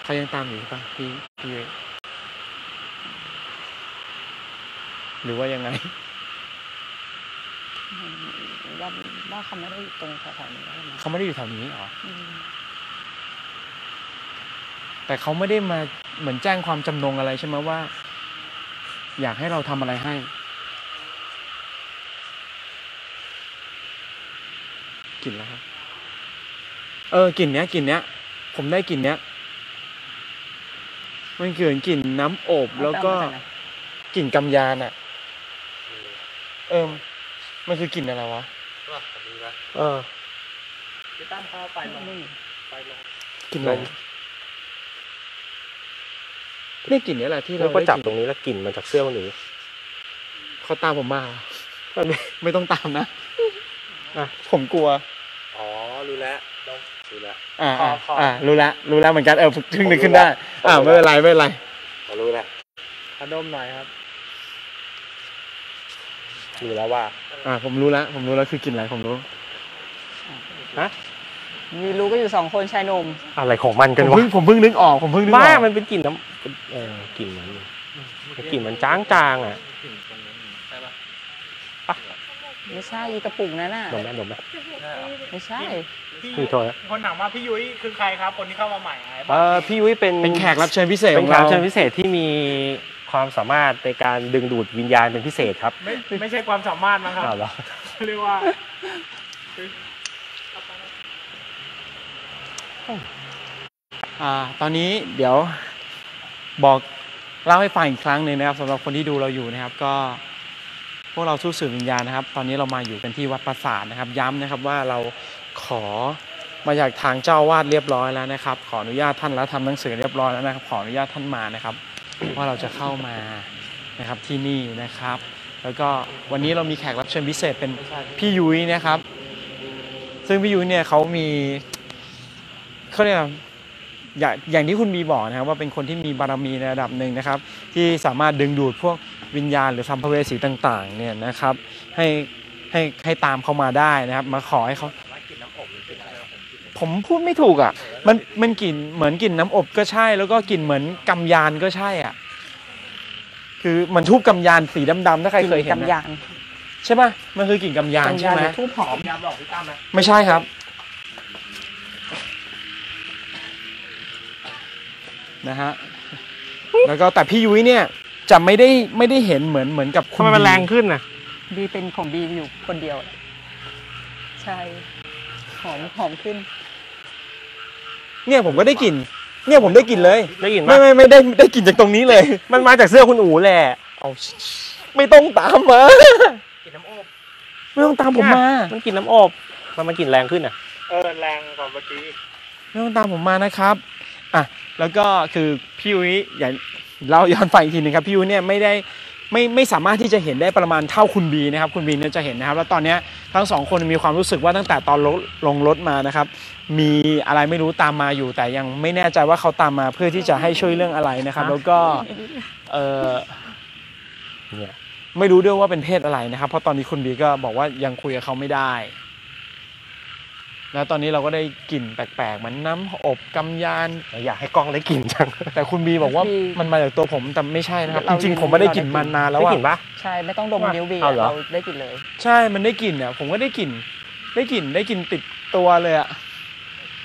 เขายังตามอยู่ป่ะพี่หรือว่ายังไงว่าเขาไม่ได้อยู่ตรงแถวๆนี้เขาไม่ได้อยู่แถวนี้หรอแต่เขาไม่ได้มาเหมือนแจ้งความจำนงอะไรใช่ไหมว่าอยากให้เราทำอะไรให้กลิ่นแล้วครับกลิ่นเนี้ยผมได้กลิ่นเนี้ยมันเกิดกลิ่นน้ำอบแล้วก็กลิ่นกำยานอ่ะมันคือกลิ่นอะไรวะพี่ตั้มเข้าไปลงกลิ่นอะไรนี่กลิ่นนี้แหละที่เราก็จับตรงนี้แล้วกลิ่นมันจากเสื้อคนอื่นเขาตามผมมาไม่ต้องตามนะผมกลัวรู้แล้วรู้แล้วรู้แล้วเหมือนกันถึงนึกขึ้นได้ไม่เป็นไรรู้แล้วขนมหน่อยครับรู้แล้วว่าผมรู้แล้วคือกลิ่นอะไรผมรู้มีรู้ก็อยู่2คนชายหนุ่มอะไรของมันกันวะผมเพิ่งนึกออกบ้ามันเป็นกลิ่นน้ำกลิ่นมันจางอ่ะไม่ใช่อีกระปุกนั้นน่ะดมไหมไม่ใช่พี่โทษคนถามว่าพี่ยุ้ยคือใครครับคนที่เข้ามาใหม่พี่ยุ้ยเป็นแขกรับเชิญพิเศษเป็นแขกรับเชิญพิเศษที่มีความสามารถในการดึงดูดวิญญาณเป็นพิเศษครับไม่ใช่ความสามารถนะครับเรียกว่าตอนนี้เดี๋ยวบอกเล่าให้ฟังอีกครั้งหนึ่งนะครับสำหรับคนที่ดูเราอยู่นะครับก็พวกเราสู้สื่อวิญญาณนะครับตอนนี้เรามาอยู่กันที่วัดปราสาทนะครับย้ำนะครับว่าเราขอมาจากทางเจ้าวาดเรียบร้อยแล้วนะครับขออนุญาตท่านแล้วทำหนังสือเรียบร้อยแล้วนะครับขออนุญาตท่านมานะครับว่าเราจะเข้ามานะครับที่นี่นะครับแล้วก็วันนี้เรามีแขกรับเชิญพิเศษเป็นพี่ยุ้ยนะครับซึ่งพี่ยุ้ยเนี่ยเขามีเขาเรียกอย่างที่คุณบีบอกนะครับว่าเป็นคนที่มีบารมีในระดับหนึ่งนะครับที่สามารถดึงดูดพวกวิญญาณหรือสัมภเวสีต่างๆเนี่ยนะครับให้ตามเขามาได้นะครับมาขอให้เขาผมพูดไม่ถูกอ่ะมันกลิ่นเหมือนกลิ่นน้ำอบก็ใช่แล้วก็กลิ่นเหมือนกำยานก็ใช่อ่ะคือมันทูบกำยานสีดำๆถ้าใครเคยเห็นกำยานใช่ป่ะมันคือกลิ่นกำยานใช่ไหมทูบหอมยาบอกพี่ตั้มไหมไม่ใช่ครับนะฮะแล้วก็แต่พี่ยุ้ยเนี่ยจะไม่ได้เห็นเหมือนกับคุณมันแรงขึ้นนะบีเป็นของบีอยู่คนเดียวใช่หอมขึ้นเนี่ยผมก็ได้กลิ่นเนี่ยผมได้กลิ่นเลยได้กลิ่นไม่ได้กลิ่นจากตรงนี้เลยมันมาจากเสื้อคุณอู๋แหละไม่ต้องตามมากลิ่นน้ำอบไม่ต้องตามผมมามันกลิ่นน้ำอบมันกลิ่นแรงขึ้นอ่ะแรงกว่าเมื่อกี้ไม่ต้องตามผมมานะครับแล้วก็คือพี่ยุ้ยอย่างเราย้อนฟังอีกทีนึงครับพี่ยุ้ยเนี่ยไม่สามารถที่จะเห็นได้ประมาณเท่าคุณบีนะครับคุณบีเนี่ยจะเห็นนะครับแล้วตอนนี้ทั้งสองคนมีความรู้สึกว่าตั้งแต่ตอนลงรถมานะครับมีอะไรไม่รู้ตามมาอยู่แต่ยังไม่แน่ใจว่าเขาตามมาเพื่อที่จะให้ช่วยเรื่องอะไรนะครับแล้วก็เนี่ยไม่รู้ด้วยว่าเป็นเพศอะไรนะครับเพราะตอนนี้คุณบีก็บอกว่ายังคุยกับเขาไม่ได้แล้วตอนนี้เราก็ได้กลิ่นแปลกๆเหมือนน้ำอบกำยานอยากให้กล้องได้กลิ่นจังแต่คุณบีบอกว่ามันมาจากตัวผมแต่ไม่ใช่นะครับจริงๆผมไม่ได้กลิ่นมานานแล้วได้กลิ่นปะใช่ไม่ต้องดมนิ้วบีเราได้กลิ่นเลยใช่มันได้กลิ่นเนี่ยผมก็ได้กลิ่นติดตัวเลยอะ